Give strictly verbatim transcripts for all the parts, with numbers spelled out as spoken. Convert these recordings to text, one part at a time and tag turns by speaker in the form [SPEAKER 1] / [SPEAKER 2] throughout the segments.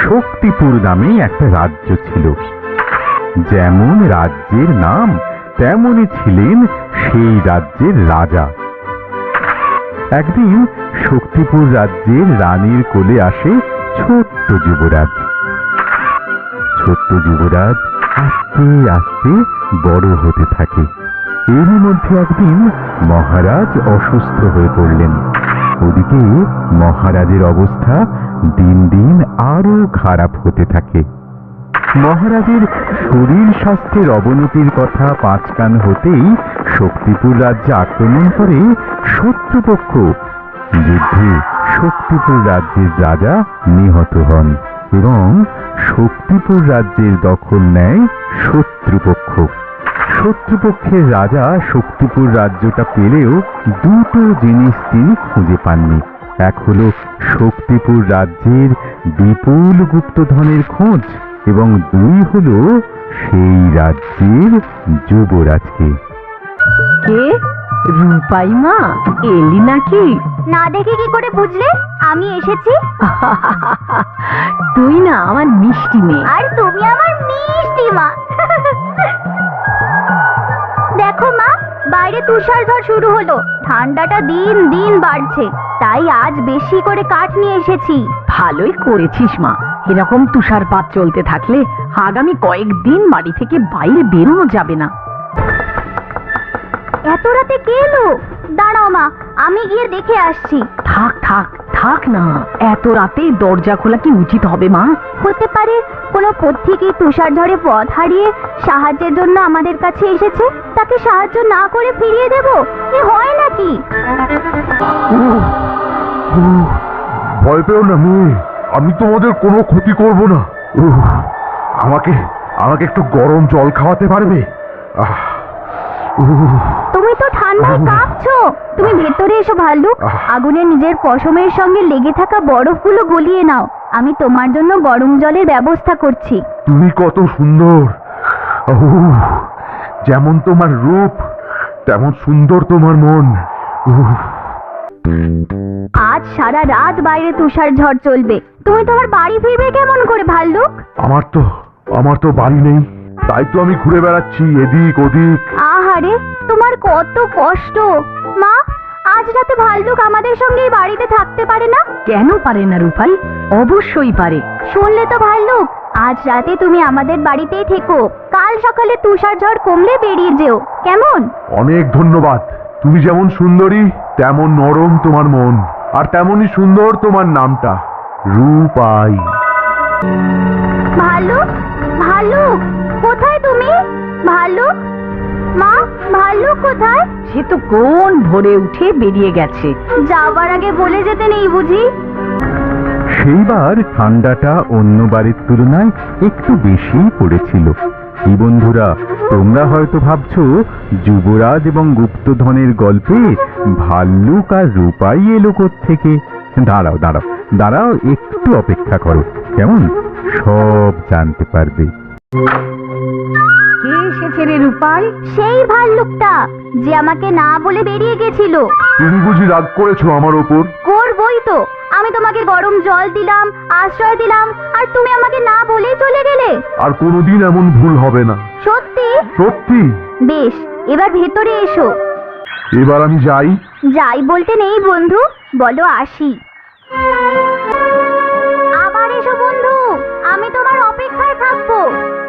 [SPEAKER 1] শক্তিপুর নামে একটা রাজ্য ছিল। যেমন রাজ্যের নাম তেমনই ছিলেন সেই রাজ্যের রাজা। একদিন শক্তিপুর রাজ্যের রানীর কোলে আসে ছোট্ট যুবরাজ। ছোট্ট যুবরাজ আস্তে আস্তে বড় হতে থাকে। এরই মধ্যে একদিন মহারাজ অসুস্থ হয়ে পড়লেন। ওদিকে মহারাজের অবস্থা দিন দিন আরো খারাপ হতে থাকে। মহারাজের শরীর স্বাস্থ্যের অবনতির কথা পাঁচ কান হতেই শক্তিপুর রাজ্যে আক্রমণ করে শত্রুপক্ষ। যুদ্ধে শক্তিপুর রাজ্যের রাজা নিহত হন এবং শক্তিপুর রাজ্যের দখল নেয় শত্রুপক্ষ। শত্রুপক্ষের রাজা শক্তিপুর রাজ্যটা পেলেও দুটো জিনিস তিনি খুঁজে পাননি। এক হলো শক্তিপুর রাজ্যের বিপুল গুপ্তধনের খোঁজ এবং দুই হলো সেই রাজ্যের যুবরাজকে।
[SPEAKER 2] কে? রূপাই মা এলি নাকি?
[SPEAKER 3] না দেখে কি করে বুঝলে আমি এসেছি?
[SPEAKER 2] তুই না আমার মিষ্টি মেয়ে।
[SPEAKER 3] আর তুমি আমার মিষ্টি মা। দেখো মা, বাইরে তুষার ঝড় শুরু হলো। ঠান্ডাটা দিন দিন বাড়ছে, তাই আজ বেশি করে কাঠ নিয়ে এসেছি।
[SPEAKER 2] ভালোই করেছিস মা। এরকম তুষারপাত চলতে থাকলে আগামী কয়েকদিন বাড়ি থেকে বাইরে বেরোনো যাবে না।
[SPEAKER 3] এত রাতে কে এলো? দাঁড়াও মা, আমি গিয়ে দেখে আসছি।
[SPEAKER 2] থাক থাক থাক না, এত রাতে দরজা খোলা কি উচিত হবে মা?
[SPEAKER 3] হতে পারে কোনো পথিকে তুষার ঝড়ে পথ হারিয়ে সাহায্যের জন্য আমাদের কাছে এসেছে। তাকে সাহায্য না করে ফিরিয়ে দেব, এ হয় নাকি?
[SPEAKER 4] ভয় পেও না মেয়ে, আমি তোমাদের কোনো ক্ষতি করব না। আমাকে আমাকে একটু গরম জল খাওয়াতে পারবে?
[SPEAKER 3] তুমি তো ঠান্ডায় কাঁপছো। তুমি ভেতরে এসো ভাল্লুক। আগুনে নিজের পশমের সঙ্গে লেগে থাকা বরফগুলো গলিয়ে নাও। আমি তোমার জন্য গরম জলের ব্যবস্থা করছি।
[SPEAKER 4] তুমি কত সুন্দর! যেমন তোমার রূপ তেমন সুন্দর তোমার মন।
[SPEAKER 3] আজ সারা রাত বাইরে তুষার ঝড় চলবে। তুমি তোমার বাড়ি ফিরবে কেমন করে ভাল্লুক?
[SPEAKER 4] আমার তো আমার তো বাড়ি নেই, তাই তো আমি ঘুরে বেড়াচ্ছি এদিক ওদিক।
[SPEAKER 3] আহারে, তোমার কত কষ্ট। মা, আজ রাতে ভাল্লুক আমাদের সঙ্গে এই বাড়িতে থাকতে পারে না?
[SPEAKER 2] কেন পারে না রূপাই? অবশ্যই পারে।
[SPEAKER 3] শুনলে তো ভাল্লুক, আজ রাতে তুমি আমাদের বাড়িতেই থেকো। কাল সকালে তুষার ঝড় কমলে বেরিয়ে যেও, কেমন?
[SPEAKER 4] অনেক ধন্যবাদ। তুমি যেমন সুন্দরী তেমন নরম তোমার মন, আর তেমনই সুন্দর তোমার নামটা, রূপাই।
[SPEAKER 3] ভাল্লুক, ভাল্লুক, কোথায় তুমি? ভাল্লুক মা, ভাল্লুক কোথায়?
[SPEAKER 2] সে তো কোন ভোরে উঠে বেরিয়ে গেছে।
[SPEAKER 3] যাবার আগে বলে যেতে নেই বুঝি?
[SPEAKER 1] সেইবার ঠান্ডাটা অন্য বাড়ির তুলনায় একটু বেশি পড়েছিল। এই বন্ধুরা, তোমরা হয়তো ভাবছো যুবরাজ এবং গুপ্তধনের গল্পে ভাল্লুক আর রূপাই এলো কোত্থেকে। দাঁড়াও দাঁড়াও দাঁড়াও একটু অপেক্ষা করো, কেমন? সব জানতে পারবে।
[SPEAKER 2] কে এসেছে রে রূপাই?
[SPEAKER 3] সেই ভাল্লুকটা যে আমাকে না বলে বেরিয়ে গেছিল।
[SPEAKER 4] তুমি বুঝি রাগ করেছো আমার ওপর?
[SPEAKER 3] করবই তো। আমি তোমাকে গরম জল দিলাম, আশ্রয় দিলাম, আর তুমি আমাকে না বলেই চলে গেলে।
[SPEAKER 4] আর কোনোদিন এমন ভুল হবে না।
[SPEAKER 3] সত্যি?
[SPEAKER 4] সত্যি।
[SPEAKER 3] বেশ, এবার ভেতরে এসো।
[SPEAKER 4] এবার আমি যাই?
[SPEAKER 3] যাই বলতে নেই বন্ধু, বলো আসি। আবার এসো বন্ধু, আমি তোমার অপেক্ষায় থাকবো।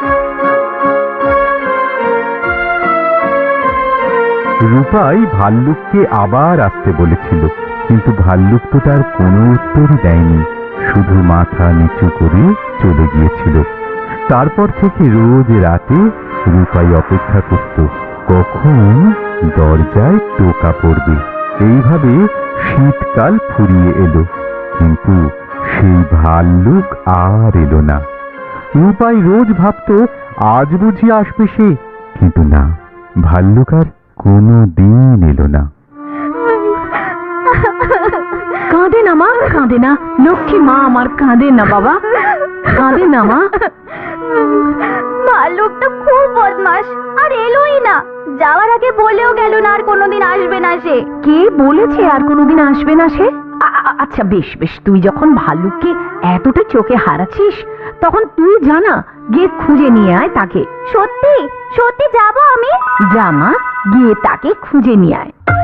[SPEAKER 1] রূপাই ভাল্লুককে আবার আসতে বলেছিল, কিন্তু ভাল্লুক তো তার কোনো উত্তরই দেয়নি, শুধু মাথা নিচু করে চলে গিয়েছিল। তারপর থেকে রোজ রাতে রূপাই অপেক্ষা করত কখন দরজায় টোকা পড়বে। এইভাবে শীতকাল ফুরিয়ে এলো, কিন্তু সেই ভাল্লুক আর এলো না। রূপাই রোজ ভাবত আজ বুঝি আসবে সে, কিন্তু না, ভাল্লুক আর কোনো দিন এলো না।
[SPEAKER 2] কাঁদে না মা, কাঁদে না। লক্ষ্মী মা আমার, কাঁদে না বাবা, কাঁদে না মা।
[SPEAKER 3] ভাল্লুকটা খুব বদমাস, আর এলোই না। যাওয়ার আগে বলেও গেল না আর কোনোদিন আসবে না সে।
[SPEAKER 2] কে বলেছে আর কোনোদিন আসবে না সে? আ- আ- আচ্ছা বেশ বেশ, তুই যখন ভাল্লুককে এতটা চোখে হারাচ্ছিস তখন তুই জানা গিয়ে খুঁজে নিয়ে আয় তাকে।
[SPEAKER 3] সত্যি সত্যি যাবো আমি।
[SPEAKER 2] যা মা, গিয়ে তাকে খুঁজে নিয়ে আয়।